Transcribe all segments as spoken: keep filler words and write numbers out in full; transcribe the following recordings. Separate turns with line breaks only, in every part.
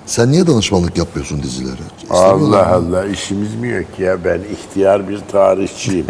Sen niye danışmanlık yapıyorsun dizilere?
Allah Allah, işimiz mi yok ya? Ben ihtiyar bir tarihçiyim.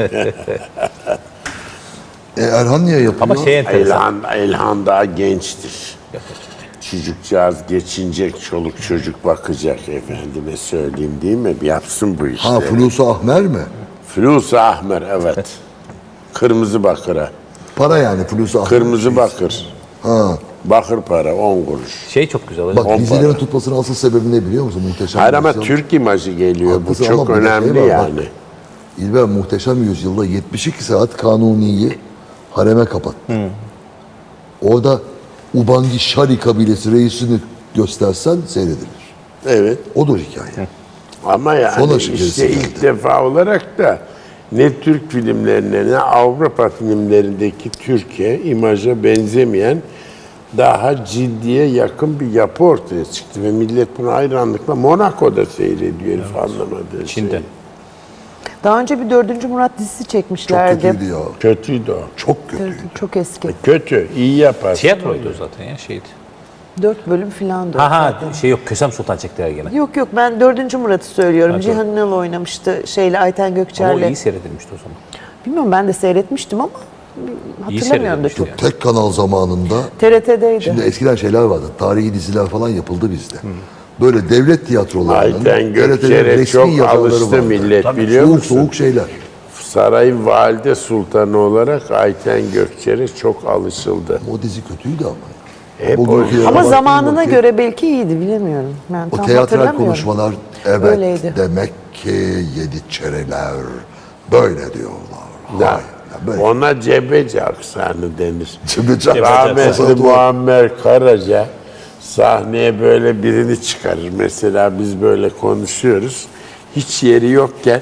E, Erhan niye yapıyor?
Ama şey enteresan.
Elhan, Elhan daha gençtir. Çocukcağız geçinecek, çoluk çocuk bakacak, efendime söyleyeyim, değil mi? Yapsın bu işleri.
Ha, Fulusu Ahmer mi?
Fulusu Ahmer, evet. Kırmızı bakıra.
Para yani Fulusu Ahmer.
Kırmızı bakır.
Ha.
Bakır para, on kuruş.
Şey çok güzel.
Bak
On
dizilerin
para.
tutmasının asıl sebebi ne biliyor musun? Muhteşem
Hayır ama
Yüzyıl.
Türk imajı geliyor.
Haklısın
Bu
ama
çok
bir de şey
önemli
var, bak.
yani.
İlber Muhteşem Yüzyıl'da yetmiş iki saat Kanuni'yi hareme kapattı. Orada Ubangi Şari kabilesi reisini göstersen seyredilir.
Evet.
Odur hikaye.
Ama yani
Sonra
işte
gerisi
ilk
geldi.
defa olarak da ne Türk filmlerine ne Avrupa filmlerindeki Türkiye imaja benzemeyen daha ciddiye yakın bir yapı ortaya çıktı ve millet bunu hayranlıkla Monaco'da seyrediyor herif anlamadığı
Çin'de.
şey.
Daha önce bir dördüncü Murat dizisi
Çok
çekmişlerdi.
kötüydü ya.
Kötüydü o.
Çok kötüydü.
Çok eski.
Kötü, iyi yapar.
Tiyatroydu o zaten ya şeydi.
Dört bölüm filan da.
Ha ha şey yok Kösem Sultan çektiler gene.
Yok yok, ben dördüncü Murat'ı söylüyorum.
Ha,
Cihan Ünal oynamıştı şeyle, Ayten
Ama o
Gökçer'le.
iyi seyredilmişti o zaman.
Bilmiyorum, ben de seyretmiştim ama hatırlamıyorum da
seyredilmişti
çok.
yani.
Tek kanal zamanında
T R T'deydi.
şimdi eskiden şeyler vardı. Tarihi diziler falan yapıldı bizde. Böyle devlet tiyatrolarının
Ayten
T R T'nin
Gökçer'e
resmi
çok
yazarları
alıştı
vardı.
millet, biliyor
Soğuk
musun?
soğuk şeyler.
Sarayın valide sultanı olarak Ayten Gökçer'e çok alışıldı.
O dizi kötüydü ama.
Hep
Bugünkü
o-
yere
Ama
baktığım
zamanına
vakit,
göre belki iyiydi, bilemiyorum. Ben
o
tam
teatral
hatırlamıyorum.
konuşmalar, evet
Öyleydi.
demek ki yedi çereler böyle diyorlar.
Da,
Hayır, ya böyle.
ona cebeci aksanı denir.
Cebeci aksanı.
Rahmetli
Doğru.
Muammer Karaca sahneye böyle birini çıkarır. Mesela biz böyle konuşuyoruz. Hiç yeri yokken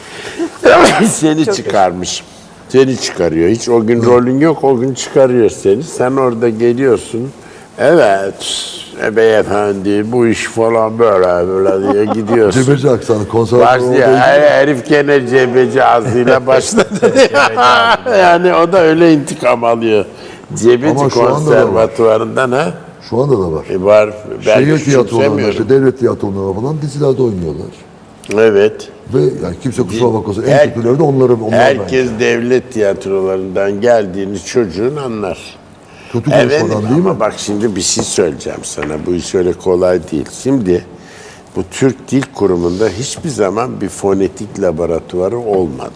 seni çıkarmış. Seni çıkarıyor. Hiç o gün rolün yok, o gün çıkarıyor seni. Sen orada geliyorsun. Evet, e, beyefendi bu iş falan böyle böyle diye gidiyorsun.
Cebeci aksanı konservatuvar
Başlıyor.
olduğu
Her- Herif gene cebeci ağzıyla başladı. Yani o da öyle intikam alıyor. Cebeci
Ama şu anda da var.
konservatuvarından ha.
Şu anda da var.
E var. Ben
Şehir tiyatrolarında,
küçümsemiyorum.
işte devlet tiyatrolarında falan dizilerde oynuyorlar.
Evet.
Ve yani kimse kusura bakmasın en
Her-
kötüleri de onları onlar
Herkes
bence.
devlet tiyatrolarından geldiğini çocuğun anlar.
Kötü
Evet
konuşmadan değil
ama
mi?
bak şimdi bir şey söyleyeceğim sana. Bu iş öyle kolay değil. Şimdi bu Türk Dil Kurumu'nda hiçbir zaman bir fonetik laboratuvarı olmadı.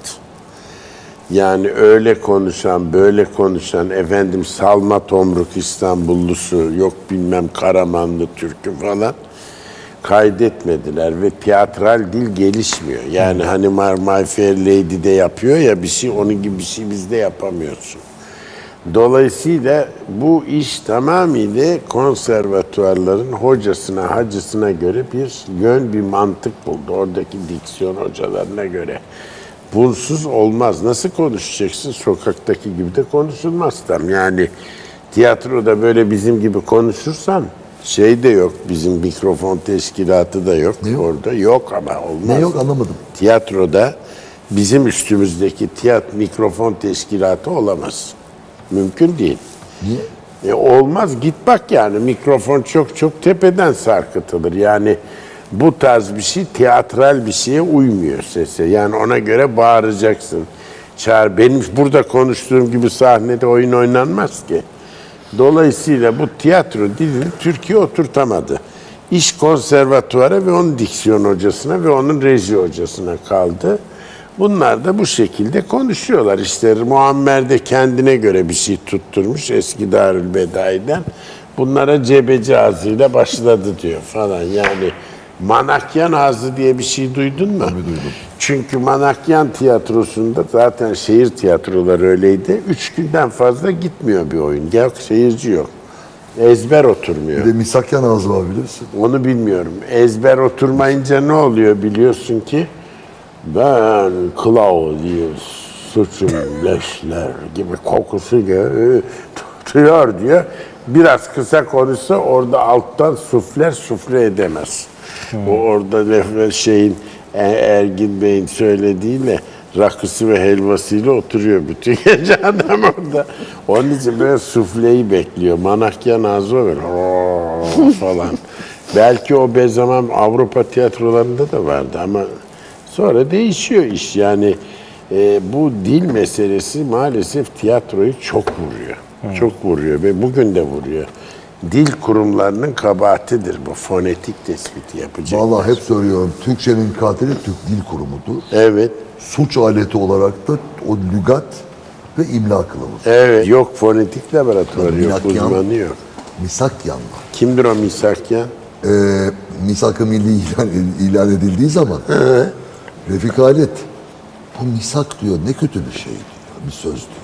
Yani öyle konuşan, böyle konuşan, efendim Salma Tomruk İstanbullusu, yok bilmem Karamanlı Türk'ü falan kaydetmediler ve tiyatral dil gelişmiyor. Yani hani My Fair Lady'de yapıyor ya bir şey, onun gibi bir şey bizde yapamıyorsun. Dolayısıyla bu iş tamamıyla konservatuarların hocasına, hacısına göre bir yön, bir mantık buldu. Oradaki diksiyon hocalarına göre. Bunsuz olmaz. Nasıl konuşacaksın? Sokaktaki gibi de konuşulmaz tam. Yani tiyatroda böyle bizim gibi konuşursan şey de yok. Bizim mikrofon teşkilatı da yok.
Ne yok?
Orada yok ama olmaz.
Ne yok anlamadım.
Tiyatroda bizim üstümüzdeki tiyatro mikrofon teşkilatı olamaz. Mümkün değil.
Niye?
E olmaz, git bak yani mikrofon çok çok tepeden sarkıtılır. Yani bu tarz bir şey tiyatral bir şeye uymuyor sese. Yani ona göre bağıracaksın. Çağır, benim burada konuştuğum gibi sahnede oyun oynanmaz ki. Dolayısıyla bu tiyatro dilini Türkiye oturtamadı. İş konservatuvara ve onun diksiyon hocasına ve onun reji hocasına kaldı. Bunlar da bu şekilde konuşuyorlar. İşte Muammer de kendine göre bir şey tutturmuş eski Darülbedai'den. Bunlara cebeci ağzıyla başladı diyor falan. Yani Manakyan ağzı diye bir şey duydun mu?
Tabii duydum.
Çünkü Manakyan tiyatrosunda zaten şehir tiyatroları öyleydi. Üç günden fazla gitmiyor bir oyun. Yok, seyirci yok. Ezber oturmuyor.
Bir de misakyan ağzı var bilirsin.
Onu bilmiyorum. Ezber oturmayınca ne oluyor biliyorsun ki? Ben Claudius suçum leşler gibi kokusu gö- tutuyor diyor. Biraz kısa konuşsa orada alttan sufler sufle edemez. O orada lef- şeyin E- Ergin Bey'in söylediğiyle rakısı ve helvasıyla oturuyor bütün gece adam orada. Onun için böyle sufleyi bekliyor. Manakyan ağzı var. "Oo" falan. Belki o be zaman Avrupa tiyatrolarında da vardı ama sonra değişiyor iş. Yani e, bu dil meselesi maalesef tiyatroyu çok vuruyor. Çok vuruyor ve bugün de vuruyor. Dil kurumlarının kabahatidir bu fonetik tespiti yapacak.
Vallahi hep söylüyorum. Türkçenin katili Türk Dil Kurumu'dur.
Evet.
Suç aleti olarak da o lügat ve imla kılavuzu.
Evet. Yok fonetik laboratuvarı yok,
Minakyan,
uzmanı yok.
Misakyan var.
Kimdir o Misakyan?
Ee, misak-ı milli ilan, ilan edildiği zaman Refik Halit bu misak diyor ne kötü bir şey diyor. Bir söz diyor.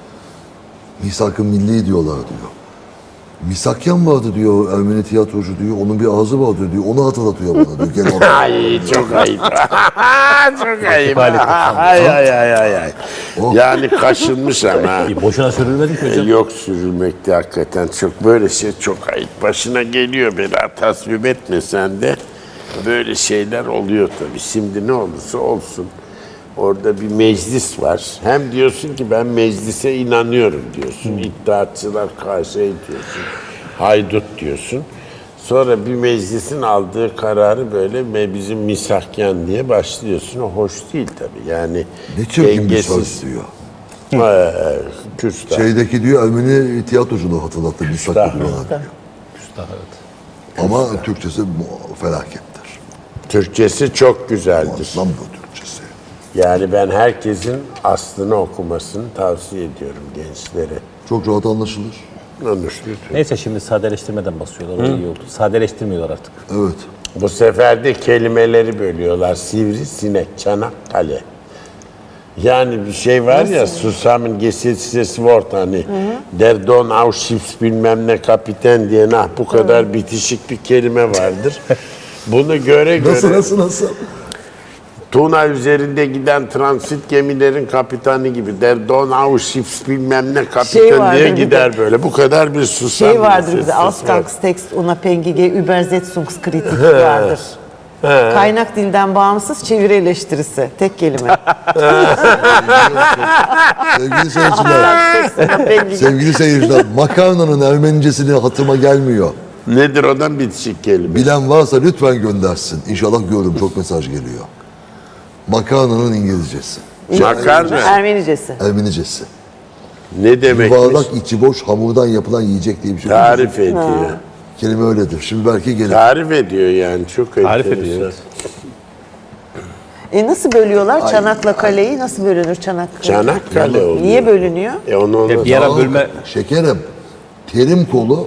Misak-ı milli diyorlar diyor. Misakyan vardı diyor Ermeni tiyatrocu diyor. Onun bir ağzı vardı diyor. Onu hatırlatıyor bana diyor. Gene onu-
Ay çok ayıp. Çok ayıp. Ay ay ay ay ay. Yani kaşınmış ama.
E, boşuna sürülmedik mi
E,
hocam?
Yok sürülmekte hakikaten çok böyle şey çok ayıp. Başına geliyor bela tasvip etmesen de böyle şeyler oluyor tabii. Şimdi ne olursa olsun orada bir meclis var. Hem diyorsun ki ben meclise inanıyorum diyorsun. İddiatçılar karşı diyorsun. Haydut diyorsun. Sonra bir meclisin aldığı kararı böyle ve bizim misakyan diye başlıyorsun. O hoş değil tabii. Yani
Ne çirkin bir
dengesiz.
söz diyor.
Ee, küstah.
Şeydeki diyor Ermeni tiyatrocunu hatırlattı misak
Küstah.
diyor.
Üstad, evet.
Ama Türkçesi mu- felakettir.
Türkçesi çok güzeldir.
Muazzam bu Türkçesi.
Yani ben herkesin aslını okumasını tavsiye ediyorum gençlere.
Çok rahat anlaşılır.
Anlaşılıyor.
Neyse şimdi sadeleştirmeden basıyorlar. O iyi oldu. Sadeleştirmiyorlar artık.
Evet.
Bu sefer de kelimeleri bölüyorlar. Sivri, sinek, çanak, kale. Yani bir şey var ya, Susam'ın Gesetzes Wort hani der Don Auschwitz bilmem ne kapiten diye nah bu kadar bitişik bir kelime vardır. Bunu göre göre
Nasıl nasıl nasıl?
Tuna üzerinde giden transit gemilerin kapitanı gibi der Don Auschwitz bilmem ne kapitan
Şey vardı
diye
bir de-
gider böyle. Bu kadar bir susam.
Şey vardır
bir
bize,
ses var.
Ausgangstext unabhängige Übersetzungskritik vardır. Kaynak dilden bağımsız çeviri eleştirisi. Tek kelime.
Sevgili seyirciler, sevgili seyirciler, makarnanın Ermenicesini hatırıma gelmiyor.
Nedir odan bitişik kelime?
Bilen varsa lütfen göndersin. İnşallah görürüm, çok mesaj geliyor. Makarnanın İngilizcesi,
Makarna
Ermenicesi.
Ermenicesi.
ne demekmiş?
Yuvarlak içi boş hamurdan yapılan yiyecek diye bir şey.
Tarif ediyor.
Kelime öyledir. Şimdi belki gelir.
Tarif ediyor yani çok
Tarif
enteresan.
ediyor, evet.
E nasıl bölüyorlar? Çanakla kaleyi nasıl bölünür Çanakkale?
Çanakkale oluyor.
Niye bölünüyor?
E onu, onu
Bir ara
Aa,
bölme
Şekerim, terim kolu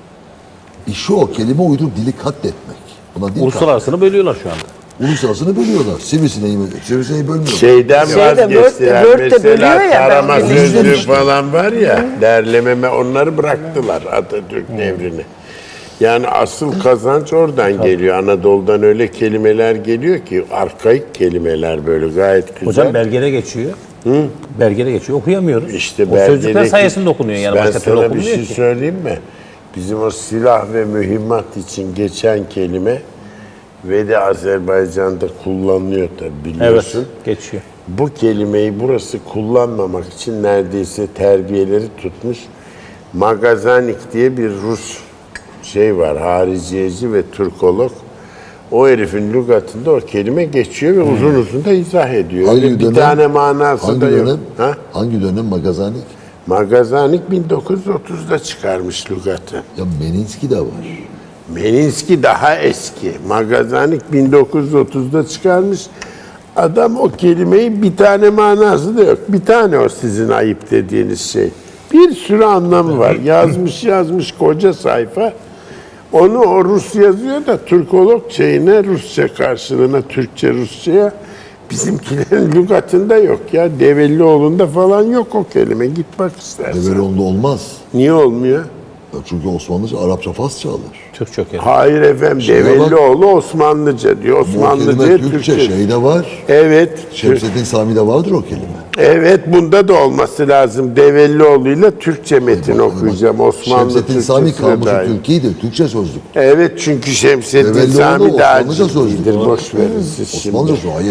işi o kelime uydurup dili katletmek. Buna dil
uluslararasını bölüyorlar şu anda.
kat- Uluslararasını bölüyorlar. Sivrisineği, sivrisineği bölmüyorlar.
Şeyden
Şeyde,
vazgeçtiler.
Word de- Word de
Mesela
bölüyor ya, ben
tarama
onu
sözlüğü
izlemiştim.
falan var ya, derlememe onları bıraktılar Atatürk devrini. Yani asıl kazanç oradan geliyor. Anadolu'dan öyle kelimeler geliyor ki arkaik kelimeler böyle gayet güzel.
Hocam belgede geçiyor. Belgede geçiyor. Okuyamıyoruz.
İşte
o sözcükler
belgedeki-
sayesinde okunuyor yani.
Ben
Başka türlü
sana bir
okunmuyor
şey
ki.
söyleyeyim mi? Bizim o silah ve mühimmat için geçen kelime ve de Azerbaycan'da kullanılıyor tabii
Evet,
biliyorsun.
geçiyor.
Bu kelimeyi burası kullanmamak için neredeyse terbiyeleri tutmuş. Magazanik diye bir Rus şey var, hariciyeci ve Türkolog. O herifin lügatında o kelime geçiyor ve uzun uzun da izah ediyor.
Hangi
Öyle bir
dönem?
tane manası
Hangi
da yok.
dönem?
Ha?
Hangi dönem Magazanik?
Magazanik bin dokuz yüz otuzda çıkarmış lügatı.
Ya Meninski de var.
Meninski daha eski. Magazanik bin dokuz yüz otuzda çıkarmış. Adam o kelimeyi bir tane manası da yok. Bir tane o sizin ayıp dediğiniz şey. Bir sürü anlamı var. Yazmış yazmış koca sayfa. Onu o Rus yazıyor da Türkolog şeyine Rusça karşılığına Türkçe Rusça'ya bizimkilerin lügatında yok ya. Devellioğlu'nda falan yok o kelime. Git bak istersen.
Develon'da olmaz.
Niye olmuyor?
Ya çünkü Osmanlıca, Arapça, Farsça alır.
Türk çok yani.
Hayır efendim,
Şuna bak.
Devellioğlu Osmanlıca diyor.
Bu kelime
Osmanlıca
Türkçe,
Türkçe.
şeyde var.
Evet.
Şemsettin Sami'de vardır o kelime.
Evet, bunda da olması lazım. Devellioğlu'yla Türkçe metin
Bak,
okuyacağım.
bak,
Osmanlı
Şemsettin Sami
Türkçesine
kamusu
dair.
Türkiye'dir. Türkçe sözlük.
Evet, çünkü Şemsettin
Devellioğlu
Sami daha
Osmanlıca
ciddidir.
sözlük.
Boş verin siz şimdi.
Osmanlıca sözlük. Hayır.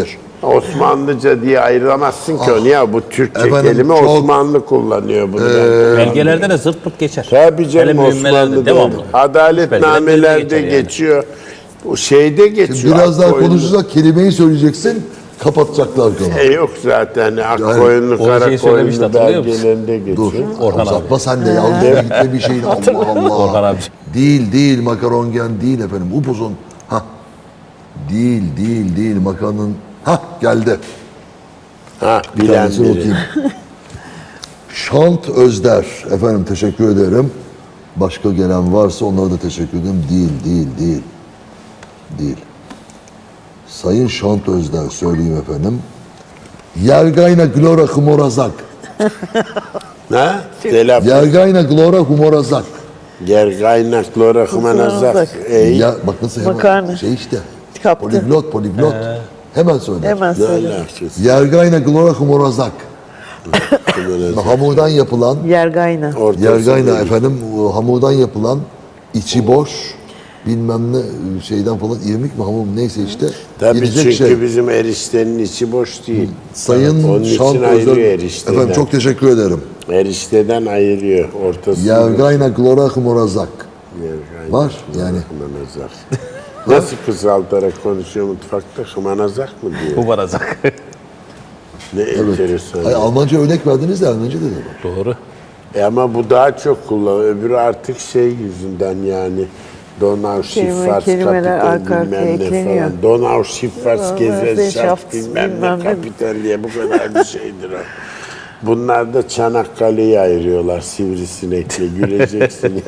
Osmanlıca diye ayıramazsın ki onu ya. Bu Türkçe
Efendim,
kelime
çok-
Osmanlı kullanıyor bunu.
Belgelerde de zırt pırt geçer.
Tabii canım
Hele mühimmelerde
Osmanlı'da.
devamlı.
Adaletnamelerde
Belgelerde geçer yani.
geçiyor. Bu şeyde geçiyor.
Biraz daha
Akkoyunlu-
konuşursak kelimeyi söyleyeceksin, kapatacaklar kanalı.
E yok zaten. Akkoyunlu,
Orijinali söylemişti,
Karakoyunlu
hatırlıyor musun?
belgelerinde
Dur,
geçiyor.
Orhan
uzatma sen de ya. Uzatma gitme bir şeyin. Allah Allah.
Orhan abi.
Değil, değil. Makarongen değil efendim. Upuzun. Ha. Değil, değil, değil. Makarnanın. Ha geldi.
Ha,
Bir
bilen
tanesini
biri.
okuyayım. Şant Özder. Efendim teşekkür ederim. Başka gelen varsa onlara da teşekkür ederim. Değil, değil, değil. Değil. Sayın Şant Özder söyleyeyim efendim. Yergayna glora humorazak.
Ha? Telaffuz.
Yergayna glora humorazak.
Gergaynak, lora, humanazak.
Humanazak.
Ey,
Ya bak nasıl hemen
Makarna.
şey işte.
Kaptı.
Poliglot, poliglot. Hemen söyle.
Hemen
ne
söyle.
alakası?
Yergayna glora humorazak.
Humanazak.
Hamurdan yapılan,
Yergayna.
Ortası
yergayna
değil.
efendim o hamurdan yapılan içi boş bilmem ne şeyden falan irmik mi hamur mu neyse işte
Tabii
yenecek
çünkü
şey.
bizim eriştenin içi boş değil.
Sayın
Onun
Şant
için
Özel-
ayırıyor erişteden.
Efendim çok teşekkür ederim.
Erişteden ayırıyor. Ortası
Yergayna glora humorazak.
Yergaynak,
Var yani.
Humanazak. Nasıl kısaltarak konuşuyor mutfakta? Humanazak mı diyor?
Bu barazak.
Ne enteresan.
Hayır, Almanca örnek verdiniz de Almanca da var.
Doğru.
E ama bu daha çok kullanılıyor. Öbürü artık şey yüzünden yani Donau Schifffahrt
kelimeler
Kapital
arka arkaya
bilmem ne
ekleniyor.
falan. Donau Schifffahrt Gesellschaft
Gesellschaft
bilmem ne
bilmem ne.
Kapital diye bu kadar bir şeydir o. Bunlar da Çanakkale'yi ayırıyorlar sivrisinekle güleceksin.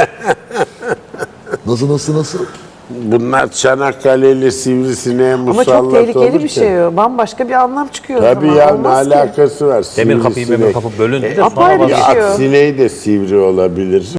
Nasıl nasıl nasıl?
Bunlar Çanakkale'li sivrisineğe musallat
Ama çok tehlikeli
olurken-
bir şey o. Bambaşka bir anlam çıkıyor. o
Tabii
zaman.
ya ne
Olmaz ki.
alakası var?
Demir kapıyı
Sivrisinek.
memir kapı bölündü de
Apayrı
sonra
bir
bak-
şey o.
At sineği de sivri olabilir.